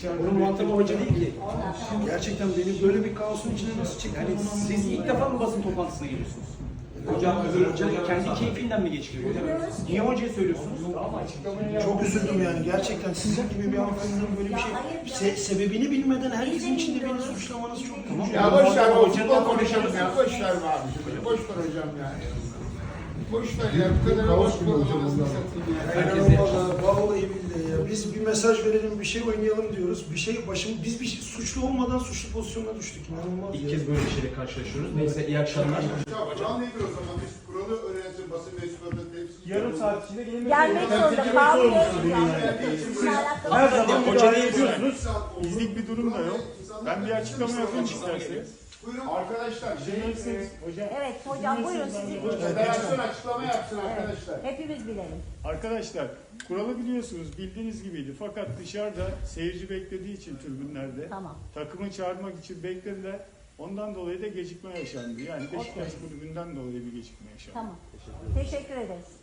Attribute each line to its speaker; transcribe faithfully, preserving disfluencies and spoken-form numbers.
Speaker 1: Bunun muhatabı hoca değil ki. Gerçekten beni böyle bir kaosun içine nasıl çekti? Yani siz ilk defa mı basın toplantısına geliyorsunuz? Hocam, hocam kendi keyfinden mi geçiriyor? Niye hocaya söylüyorsunuz?
Speaker 2: Çok üzüldüm yani gerçekten sizin gibi bir hanımefendinin böyle bir şey se sebebini bilmeden herkesin içinde beni suçlamanız çok üzücü.
Speaker 3: Ya boş ver o futbol konuşalım ya. Boş ver be abiciğim. Boş ver hocam yani. Boş ver ya. Bu kadar boş bir hocam ondan.
Speaker 2: Vallahi, vallahi billahi ya. Biz bir mesaj verelim, bir şey oynayalım diyoruz. Bir şey başım, biz bir şey, suçlu olmadan suçlu pozisyona düştük. İnanılmaz
Speaker 1: İlk
Speaker 2: ya.
Speaker 1: kez böyle bir şeyle karşılaşıyoruz. Neyse iyi akşamlar.
Speaker 3: Ya kural nedir o zaman? Biz kuralı öğrenelim basın mensuplarının hepsi.
Speaker 4: Yarım saat içinde gelmek
Speaker 5: Gelmek zorunda kalmıyoruz yani.
Speaker 4: Her zaman
Speaker 1: Hoca
Speaker 4: müdahale
Speaker 1: ne
Speaker 4: ediyorsunuz. Bizlik bir durum da yok. Ben bir açıklama yapayım isterseniz.
Speaker 3: Buyurun arkadaşlar. Şey, e,
Speaker 4: Hocam.
Speaker 5: Evet hocam buyurun sizi
Speaker 3: federasyon açıklama yapsın arkadaşlar.
Speaker 5: hepimiz bilelim.
Speaker 4: Arkadaşlar kuralı biliyorsunuz bildiğiniz gibiydi. Fakat dışarıda seyirci beklediği için tribünlerde
Speaker 5: Tamam.
Speaker 4: takımı çağırmak için beklediler. Ondan dolayı da gecikme yaşandı. Yani Beşiktaş kulübünden dolayı bir gecikme yaşandı.
Speaker 5: Tamam. Teşekkür ederiz.